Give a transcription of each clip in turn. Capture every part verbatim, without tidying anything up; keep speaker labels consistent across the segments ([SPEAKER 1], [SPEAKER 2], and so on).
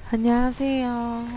[SPEAKER 1] 안녕하세요.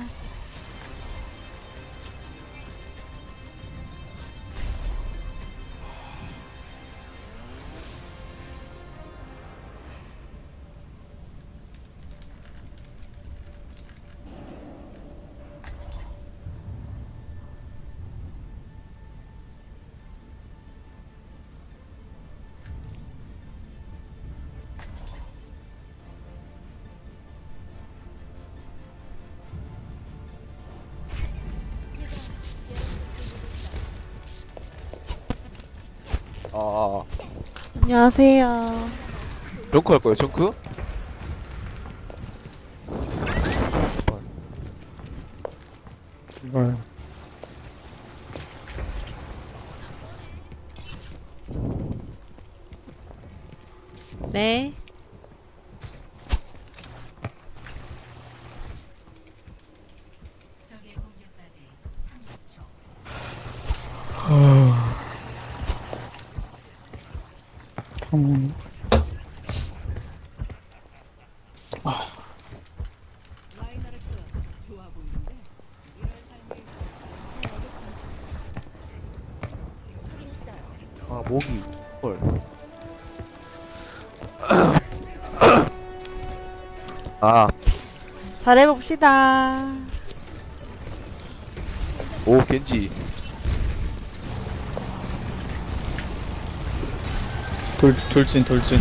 [SPEAKER 2] 아,
[SPEAKER 1] 안녕하세요.
[SPEAKER 2] 정크 할 거예요, 정크?
[SPEAKER 3] 이걸
[SPEAKER 1] 네.
[SPEAKER 3] 탐
[SPEAKER 2] 아, 모기. 헐. 아,
[SPEAKER 1] 잘해봅시다.
[SPEAKER 2] 오, 겐지.
[SPEAKER 3] 돌 돌진 돌진.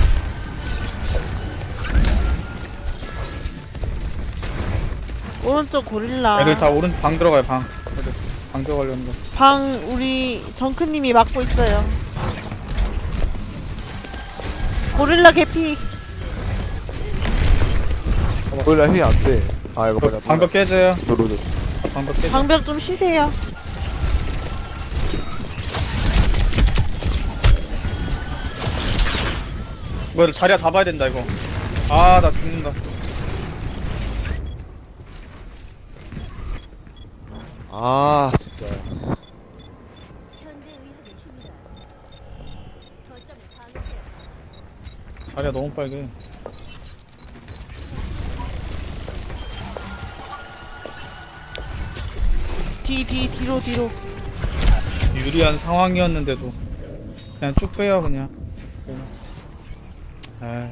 [SPEAKER 1] 오른쪽 고릴라.
[SPEAKER 3] 애들 다 오른 방 들어가요 방. 애들 방 들어가려는 거.
[SPEAKER 1] 방 우리 정크님이 막고 있어요. 고릴라 개피.
[SPEAKER 2] 원래 힘이 안 돼. 아, 이거 맞아.
[SPEAKER 3] 방벽 깨져요.
[SPEAKER 2] 도로도.
[SPEAKER 3] 방벽 깨져.
[SPEAKER 1] 방벽 좀 쉬세요.
[SPEAKER 3] 이거 자리야 잡아야 된다 이거. 아 나 죽는다.
[SPEAKER 2] 아, 진짜.
[SPEAKER 3] 자리야 너무 빨개.
[SPEAKER 1] 뒤, 뒤, 뒤로, 뒤로.
[SPEAKER 3] 유리한 상황이었는데도 그냥 쭉 빼요 그냥. 에이.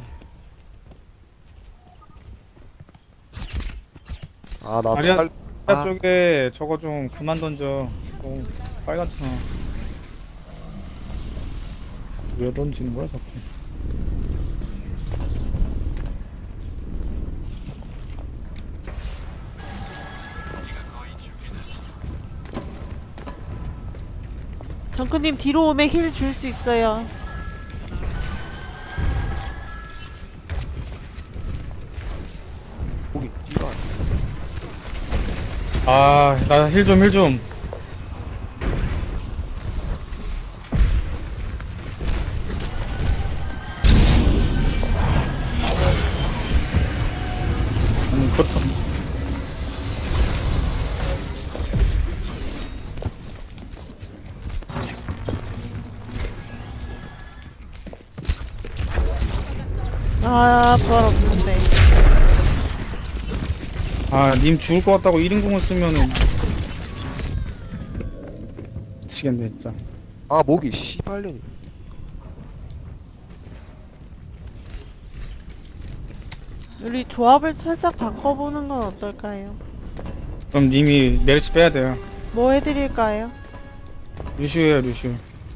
[SPEAKER 2] 아, 나
[SPEAKER 3] 아리아-
[SPEAKER 2] 빨,
[SPEAKER 3] 아.
[SPEAKER 2] 아,
[SPEAKER 3] 쪽에 저거 좀 그만 던져. 좀 빨갛잖아. 왜 던지는 거야 자꾸?
[SPEAKER 1] 정크님 뒤로 오면 힐 줄 수 있어요.
[SPEAKER 2] 모기. 이거.
[SPEAKER 3] 아, 나 힐 좀, 힐 좀. 음, 그렇다.
[SPEAKER 1] 아, 부활 없는데.
[SPEAKER 3] 아, 님 죽을 것 같다고 일 인공을 쓰면은. 미치겠네, 진짜.
[SPEAKER 2] 아, 모기. 씨발년이.
[SPEAKER 1] 우리 조합을 살짝 바꿔보는 건 어떨까요?
[SPEAKER 3] 그럼 님이 멜시 빼야 돼요.
[SPEAKER 1] 뭐 해드릴까요?
[SPEAKER 3] 루시오야, 루시오.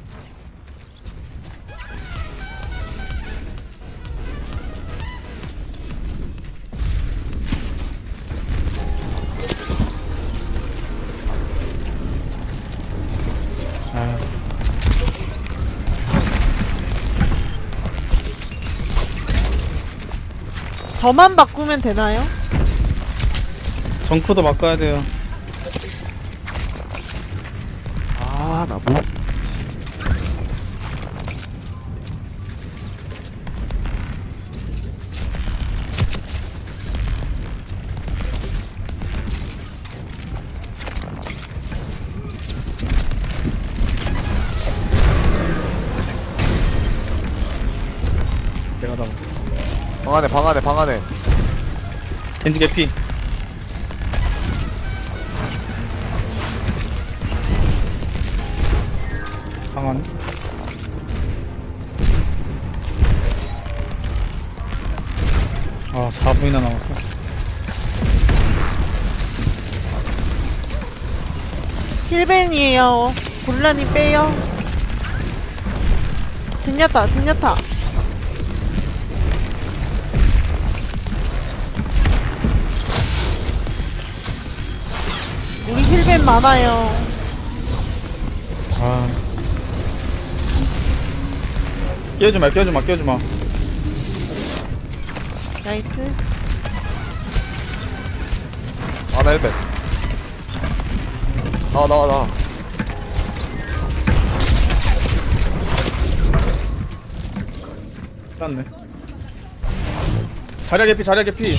[SPEAKER 3] 아,
[SPEAKER 1] 저만 바꾸면 되나요?
[SPEAKER 3] 정크도 바꿔야 돼요.
[SPEAKER 2] 아, 나 모기.
[SPEAKER 3] 내가 다.
[SPEAKER 2] 방 안에, 방 안에, 방 안에.
[SPEAKER 3] 겐지 개피. 강하네. 아 사 분이나 남았어.
[SPEAKER 1] 힐벤이에요. 곤란히 빼요. 젠야타, 젠야타. 우리 힐벤 많아요.
[SPEAKER 3] 아 끼워주마 끼워주마 끼워주마.
[SPEAKER 1] 나이스.
[SPEAKER 2] 아나 일 배. 나와 나와 나와.
[SPEAKER 3] 끝났네. 자리야 개피 자리야 개피.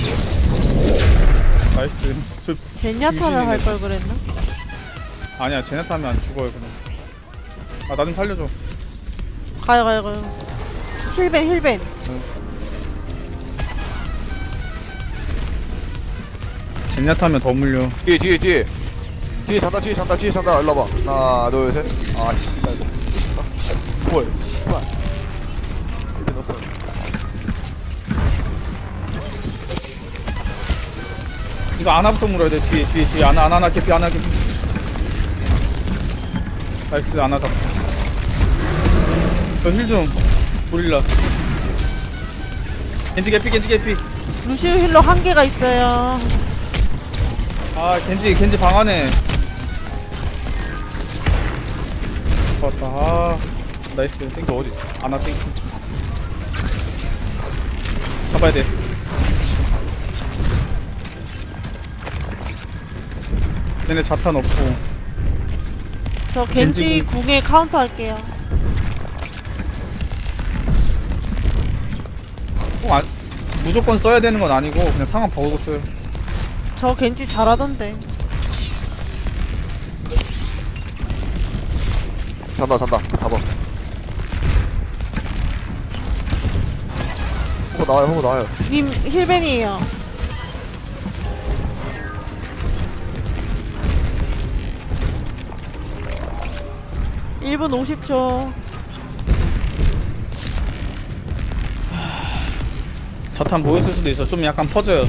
[SPEAKER 3] 나이스. 저
[SPEAKER 1] 젠야타를 할 걸 그랬나?
[SPEAKER 3] 아니야 제네타 하면 안 죽어요 그냥. 아 나 좀 살려줘.
[SPEAKER 1] 가요, 가요, 가요. 힐벤, 힐벤.
[SPEAKER 3] 제네타 하면 더 물려.
[SPEAKER 2] 뒤에 뒤에 뒤에. 뒤에 잔다 뒤에 잔다 뒤에 잔다. 일로 와봐. 하나 둘 셋. 아 씨발. 뭘 씨발. 이렇게 넣었어.
[SPEAKER 3] 이거 아나부터 물어야 돼. 뒤에 뒤에 뒤에 아나 아나 아나 개피 아나 개피. 나이스 아나 잡. 저힐좀 고릴라. 겐지 개피 겐지 개피.
[SPEAKER 1] 루시우 힐러 한 개가 있어요.
[SPEAKER 3] 아 겐지 겐지 방 안에. 좋았다. 아 나이스. 땡겨 어디? 아나 땡겨. 잡아야 돼. 얘네 자탄 없고.
[SPEAKER 1] 저 겐지
[SPEAKER 3] 겐지
[SPEAKER 1] 궁에 카운터 할게요.
[SPEAKER 3] 꼭 안, 무조건 써야 되는 건 아니고 그냥 상황 보고 써요.
[SPEAKER 1] 저 겐지 잘하던데.
[SPEAKER 2] 잔다 잔다. 잡아. 호구 나와요 호구 나와요.
[SPEAKER 1] 님 힐벤이에요. 일 분 오십 초.
[SPEAKER 3] 자탄 모였을 수도 있어. 좀 약간 퍼져요.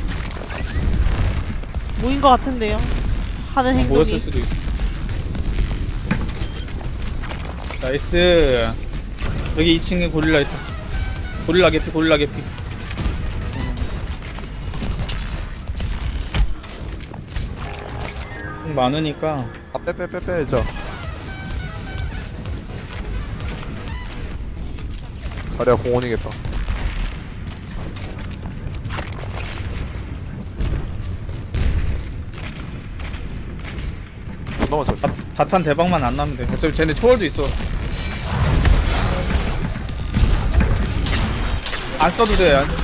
[SPEAKER 1] 모인 것 같은데요. 하는 행동이.
[SPEAKER 3] 모였을 수도 있어. 나이스. 여기 이 층에 고릴라 있다. 고릴라 개피 고릴라 개피. 음, 많으니까
[SPEAKER 2] 아 빼 빼 빼 빼 자. 자리야 공원이겠다. 존나 많죠.
[SPEAKER 3] 자, 자탄 대박만 안 나면 돼. 어차피 쟤네 초월도 있어. 안 써도 돼. 안-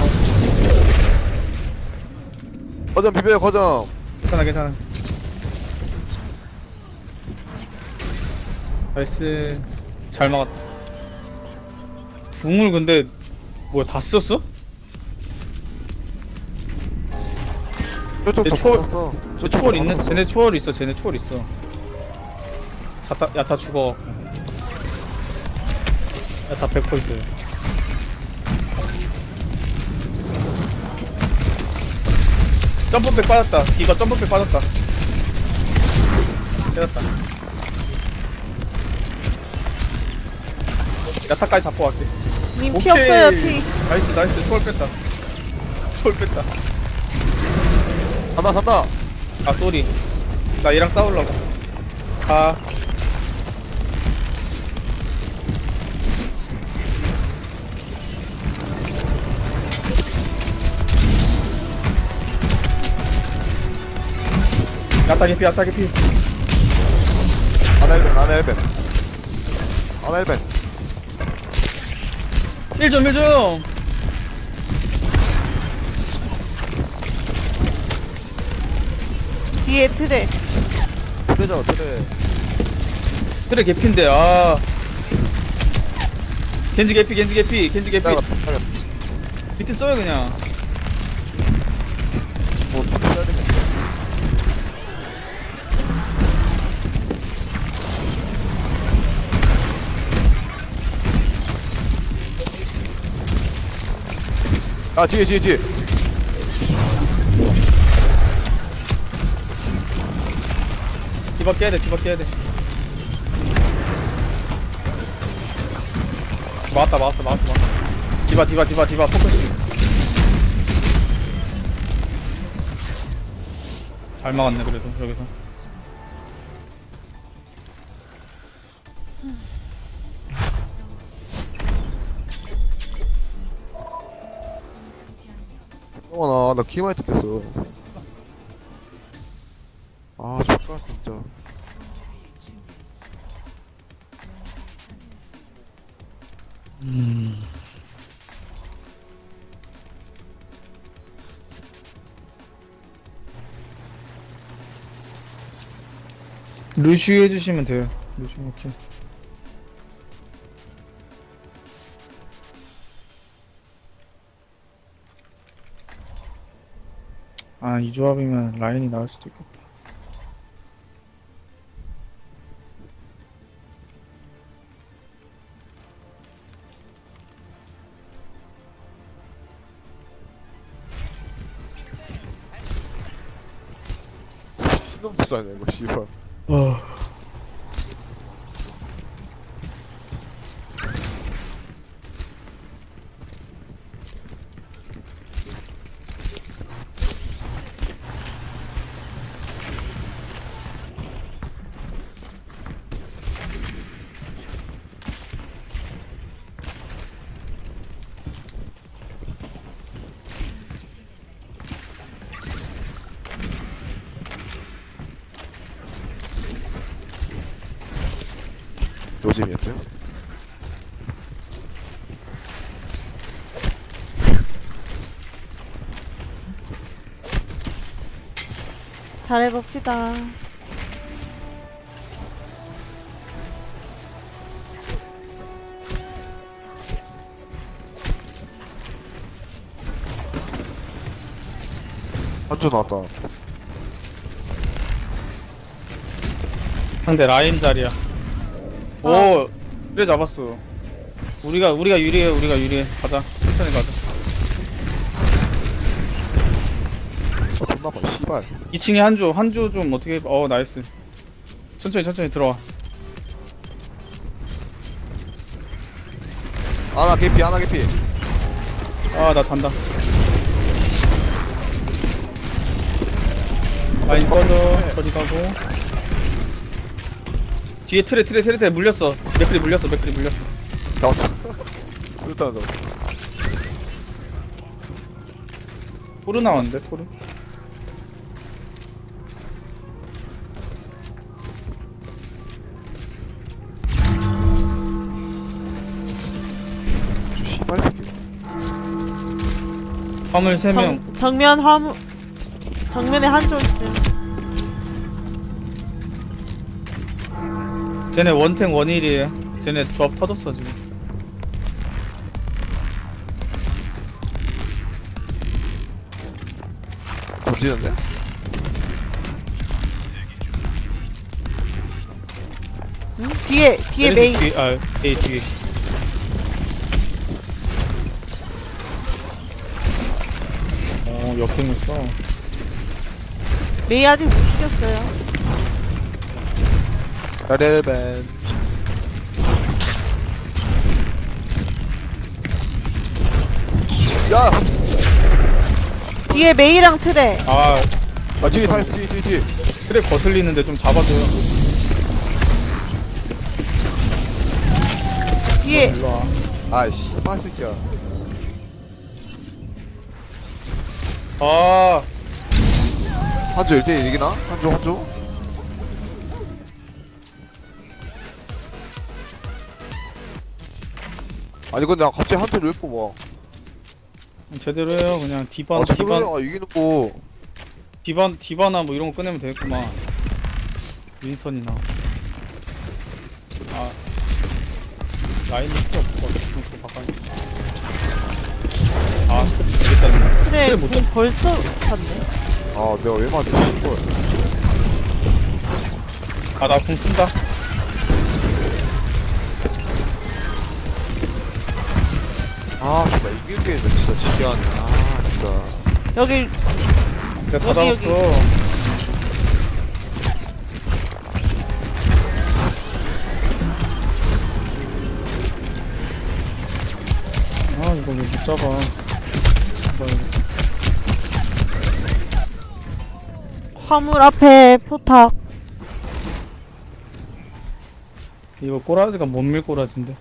[SPEAKER 2] 거점 비벼요 거점.
[SPEAKER 3] 괜찮아 괜찮아. 나이스. 잘 막았다. 궁을 근데 뭐야 다 썼어?
[SPEAKER 2] 저쪽
[SPEAKER 3] 얘
[SPEAKER 2] 다
[SPEAKER 3] 초월-
[SPEAKER 2] 썼어.
[SPEAKER 3] 저 초월 있는 쟤네 초월 있어. 쟤네 초월 있어. 자타 야타 죽어. 야타 백 퍼센트 있어요. 점프백 빠졌다. 디바 점프백 빠졌다. 때렸다. 야타까지 잡고 갈게.
[SPEAKER 1] 님 피 없어요, 피.
[SPEAKER 3] 나이스 나이스 초월 뺐다. 초월 뺐다.
[SPEAKER 2] 산다 산다.
[SPEAKER 3] 아 쏘리. 나 얘랑 싸우려고. 아 야타 개피 야타 개피.
[SPEAKER 2] 아나 일벤 아나 일벤. 아나 일벤.
[SPEAKER 3] 일점 일점.
[SPEAKER 1] 뒤에 트레.
[SPEAKER 2] 그래죠 그래.
[SPEAKER 3] 그래 개피인데 아 겐지 개피 겐지 개피 겐지 개피.
[SPEAKER 2] 내가 내가
[SPEAKER 3] 비트 써요 그냥.
[SPEAKER 2] 뭐 써야 되겠네. 아 뒤에 뒤에 뒤에.
[SPEAKER 3] 디바 깨야 돼 디바 깨야 돼. 맞다 맞았어 맞았어 맞았어. 디바 디바 디바 디바 포커싱. 잘 막았네 그래도 여기서.
[SPEAKER 2] 어나 나 키마이 뜯겼어. 아 좋다 진짜.
[SPEAKER 3] 루시우 해주시면 돼요. 루시우 오케이. 아 이 조합이면 라인이 나올 수도 있겠다.
[SPEAKER 2] 신놈들 아니야 이거 씨발.
[SPEAKER 3] 어.
[SPEAKER 2] 노잼이었죠?
[SPEAKER 1] 잘해봅시다.
[SPEAKER 2] 한조 나왔다.
[SPEAKER 3] 상대 라인 자리야. 오 그래 잡았어. 우리가 우리가 유리해 우리가 유리해. 가자 천천히 가자.
[SPEAKER 2] 아 존나 봐 씨발.
[SPEAKER 3] 이 층에 한조 한조 좀 어떻게 해. 어 나이스. 천천히 천천히 들어와.
[SPEAKER 2] 아나 개피 아나 개피.
[SPEAKER 3] 아 나 잔다. 라인 꺼져. 저리 가고. 뒤에 트레 트레 트레 트레 물렸어. 맥크리 물렸어 맥크리 물렸어.
[SPEAKER 2] 잡았어. 일단 잡았어.
[SPEAKER 3] 토르 나왔는데 토르.
[SPEAKER 2] 저 씨발 새끼.
[SPEAKER 3] 화물 세 명.
[SPEAKER 1] 정, 정면 화물 정면에 한조 있어요.
[SPEAKER 3] 쟤네 원탱 원일이에요. 쟤네 조합 터졌어 지금.
[SPEAKER 2] 던지는데?
[SPEAKER 1] 응? 뒤에 뒤에 메이.
[SPEAKER 3] 뒤에 아 A 뒤에. 어 역행을 써.
[SPEAKER 1] 메이 아직 못 죽였어요.
[SPEAKER 2] 렐벤. 야!
[SPEAKER 1] 뒤에 메이랑 트레.
[SPEAKER 3] 아
[SPEAKER 2] 아 뒤에 다 있어 뒤에 뒤에 뒤에.
[SPEAKER 3] 트랙 거슬리는데 좀 잡아줘요.
[SPEAKER 1] 뒤에
[SPEAKER 3] 일로 와.
[SPEAKER 2] 아이씨 씨발 새끼야.
[SPEAKER 3] 아
[SPEAKER 2] 한조 일 대일 이기나? 한조 한조? 아니 근데 나 갑자기 한조를 왜 뽑아?
[SPEAKER 3] 제대로 해요. 그냥 디바
[SPEAKER 2] 아
[SPEAKER 3] 디바
[SPEAKER 2] 제대로 아 이기는 거.
[SPEAKER 3] 디바 디바나 뭐 이런 거 꺼내면 되겠구만. 윈스턴이나. 아 라인이 필요 없고 공수 바꿔. 아 되게 짜증나.
[SPEAKER 1] 트레
[SPEAKER 3] 트레 못
[SPEAKER 1] 공 벌써 찼네.
[SPEAKER 2] 아 내가 왜 맞아 씨발.
[SPEAKER 3] 아나 궁 쓴다.
[SPEAKER 2] 아 정말 이길 게임은 진짜 신기하네. 아 진짜.
[SPEAKER 1] 여기
[SPEAKER 3] 내가 다
[SPEAKER 1] 여기,
[SPEAKER 3] 잡았어.
[SPEAKER 1] 여기.
[SPEAKER 3] 아 이거 왜 못 잡아. 뭐야, 이거.
[SPEAKER 1] 화물 앞에 포탑.
[SPEAKER 3] 이거 꼬라지가 못 밀 꼬라지인데.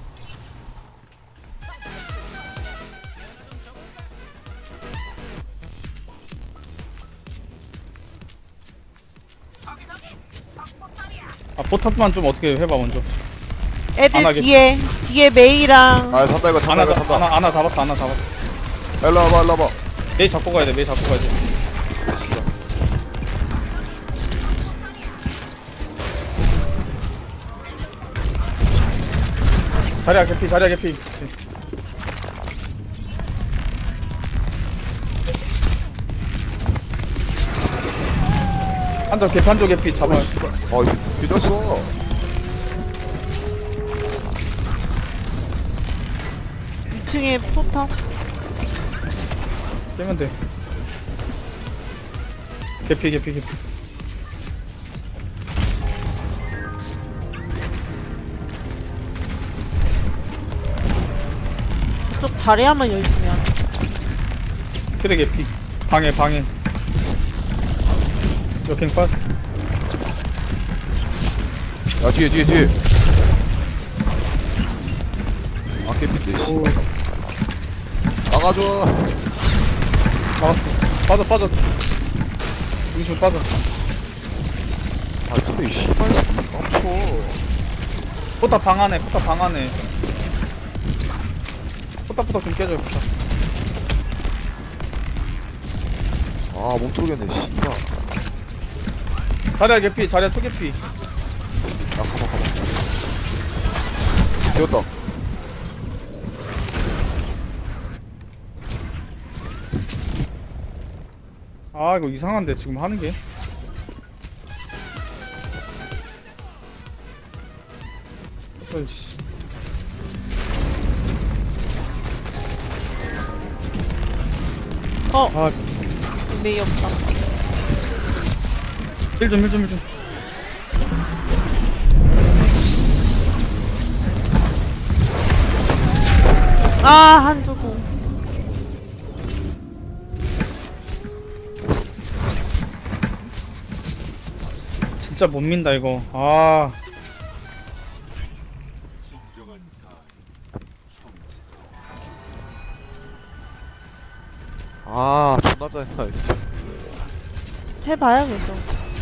[SPEAKER 3] 아 포탑만 좀 어떻게 해봐 먼저. 안
[SPEAKER 1] 애들
[SPEAKER 3] 하겠지.
[SPEAKER 1] 뒤에 뒤에 메이랑
[SPEAKER 2] 아 산다 이거 산다
[SPEAKER 3] 아나
[SPEAKER 2] 이거
[SPEAKER 3] 잡
[SPEAKER 2] 산다.
[SPEAKER 3] 아나 아나 잡았어 아나 잡았어.
[SPEAKER 2] 일로 와봐 일로 와봐.
[SPEAKER 3] 메이 잡고 가야 돼 메이 잡고 가야 돼. 자리야 개피 자리야 개피. 한쪽 개피 한쪽 개피 잡아.
[SPEAKER 2] 어 이거 믿었어.
[SPEAKER 1] 이 층에 포탑.
[SPEAKER 3] 깨면 돼. 개피 개피 개피.
[SPEAKER 1] 그쪽 자리야만 열심히 하네.
[SPEAKER 3] 트랙 개피. 방해 방해. 역행 팟.
[SPEAKER 2] 야 뒤에 뒤에 뒤에. 아 깨끗해. 씨.
[SPEAKER 3] 오
[SPEAKER 2] 나가줘.
[SPEAKER 3] 나왔어. 빠져 빠져. 중심 빠져.
[SPEAKER 2] 아 근데 이 씨발 새끼 깜쳐.
[SPEAKER 3] 포탑 방 안에 포탑 방 안에. 포탑 포탑 좀 깨줘요 포탑.
[SPEAKER 2] 아 몸쪽이네 씨발.
[SPEAKER 3] 자리야 개피 자리야 초개피.
[SPEAKER 2] 야 가봐 가봐. 지웠다.
[SPEAKER 3] 아 이거 이상한데 지금 하는 게. 어이씨.
[SPEAKER 1] 어
[SPEAKER 3] 아,
[SPEAKER 1] 메이 없다.
[SPEAKER 3] 힐 좀, 힐 좀, 힐 좀.
[SPEAKER 1] 아 한조 공.
[SPEAKER 3] 진짜 못 민다 이거. 아,
[SPEAKER 2] 아 존나 짜증나 진짜.
[SPEAKER 1] 해봐야겠어.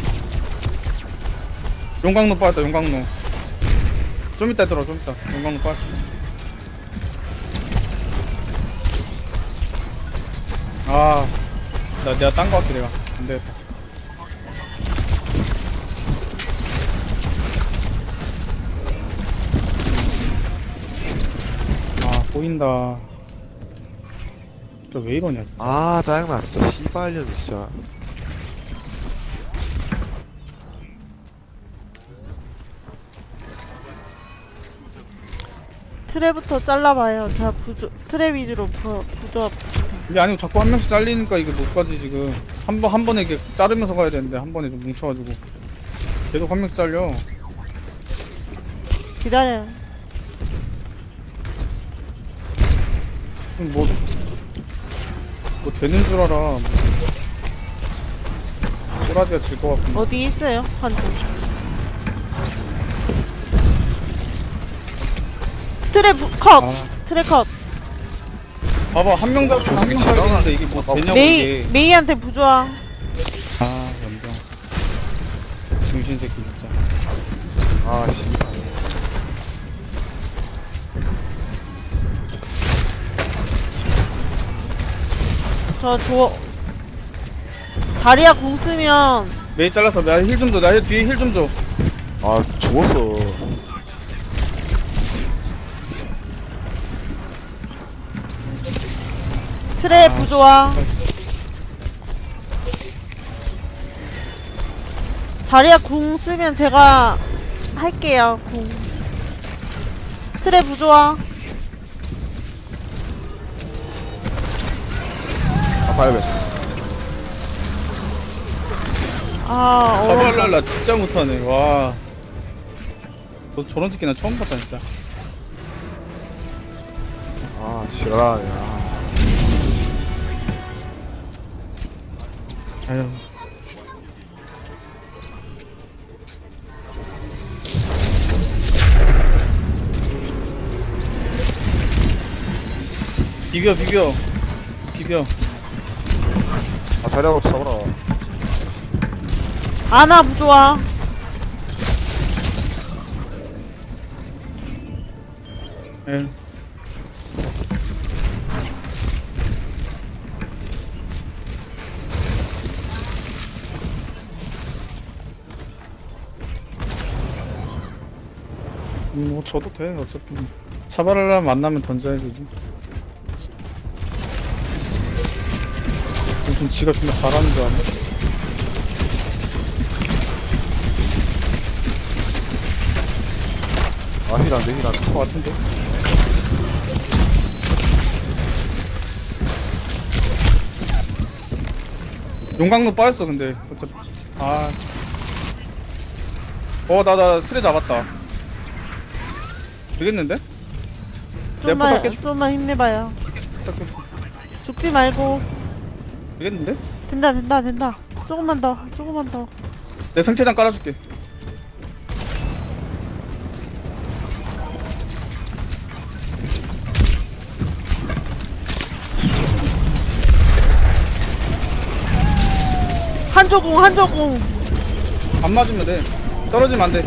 [SPEAKER 3] 용광로 빠졌다, 용광로. 좀 이따 들어, 좀 이따. 용광로 빠졌어. 아, 나 내가 딴 거 같아 내가. 안 되겠다. 아, 보인다. 저 왜 이러냐 진짜.
[SPEAKER 2] 아 짜증나 진짜 씨발년 진짜.
[SPEAKER 1] 트랩부터 잘라봐요. 제가 부조 트랩 위주로 부, 부조.
[SPEAKER 3] 이게 아니고 자꾸 한 명씩 잘리니까 이게 못 가지 지금. 한 번 한 번에 이렇게 자르면서 가야 되는데 한 번에 좀 뭉쳐가지고 계속 한 명씩 잘려.
[SPEAKER 1] 기다려요.
[SPEAKER 3] 뭐, 뭐 되는 줄 알아. 꼬라지가 질 것 같은데.
[SPEAKER 1] 어디 있어요? 한조. 트랩 부, 컷.
[SPEAKER 3] 아.
[SPEAKER 1] 트랩 컷.
[SPEAKER 3] 봐봐 한 명 잡고 한 명 살리는데 이게 뭐 되냐고
[SPEAKER 1] 메이
[SPEAKER 3] 이게.
[SPEAKER 1] 메이한테 부조화.
[SPEAKER 3] 아 연병. 중신 새끼 진짜.
[SPEAKER 2] 아 씨발.
[SPEAKER 1] 저 조. 자리야 공 쓰면
[SPEAKER 3] 메이 잘랐어. 나 힐 좀 줘. 나 뒤에 힐 좀 줘.
[SPEAKER 2] 아 죽었어.
[SPEAKER 1] 트랩
[SPEAKER 3] 아,
[SPEAKER 1] 부조화.
[SPEAKER 3] 씨.
[SPEAKER 1] 자리야 궁 쓰면 제가 할게요. 궁. 트랩 부조화.
[SPEAKER 2] 가야돼.
[SPEAKER 1] 아 어려워.
[SPEAKER 3] 카발랄라 진짜 못하네. 와. 너 저런 새끼 나 처음 봤다 진짜.
[SPEAKER 2] 아 지랄하네. 아.
[SPEAKER 3] 아유. 비벼 비벼 비벼.
[SPEAKER 2] 아 자리하고 잡아라.
[SPEAKER 1] 아나 부좋아.
[SPEAKER 3] 에. 음, 뭐 줘도 돼 어차피. 차바랄라 만나면 던져야지. 무슨 지가 정말 잘하는 줄 아네.
[SPEAKER 2] 아 힐안돼 힐안돼.
[SPEAKER 3] 것 같은데. 용광로 빠졌어 근데 어차피. 아. 어 나 나 트레 잡았다. 되겠는데?
[SPEAKER 1] 좀만
[SPEAKER 3] 포탑 깨줄-
[SPEAKER 1] 좀만 힘내봐요.
[SPEAKER 3] 딱 깨줘.
[SPEAKER 1] 죽지 말고.
[SPEAKER 3] 되겠는데?
[SPEAKER 1] 된다 된다 된다. 조금만 더 조금만 더.
[SPEAKER 3] 내 생체장 깔아줄게.
[SPEAKER 1] 한조궁 한조궁.
[SPEAKER 3] 안 맞으면 돼. 떨어지면 안 돼.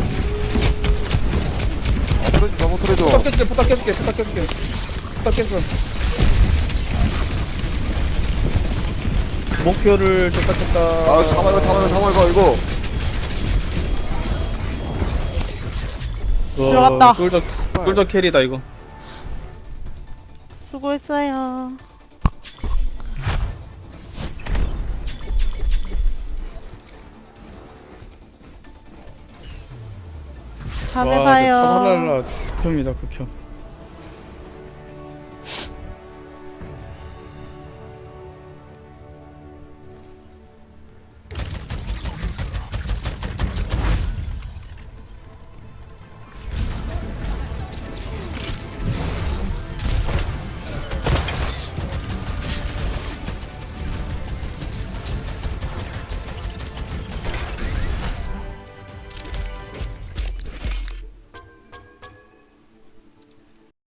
[SPEAKER 2] 아 트레 너무 트레죠.
[SPEAKER 3] 포탑 깨줄게, 포탑 깨줄게, 포탑 깨줄게. 포탑 깼어. 목표를 도착했다.
[SPEAKER 2] 아 잡아 이거 잡아 이거 잡아 이거 이거.
[SPEAKER 3] 와,
[SPEAKER 1] 들어갔다.
[SPEAKER 3] 솔저, 솔저 캐리다 이거.
[SPEAKER 1] 수고했어요. 다음에
[SPEAKER 3] 와,
[SPEAKER 1] 봐요.
[SPEAKER 3] 차발랄라 극혐이다 극혐.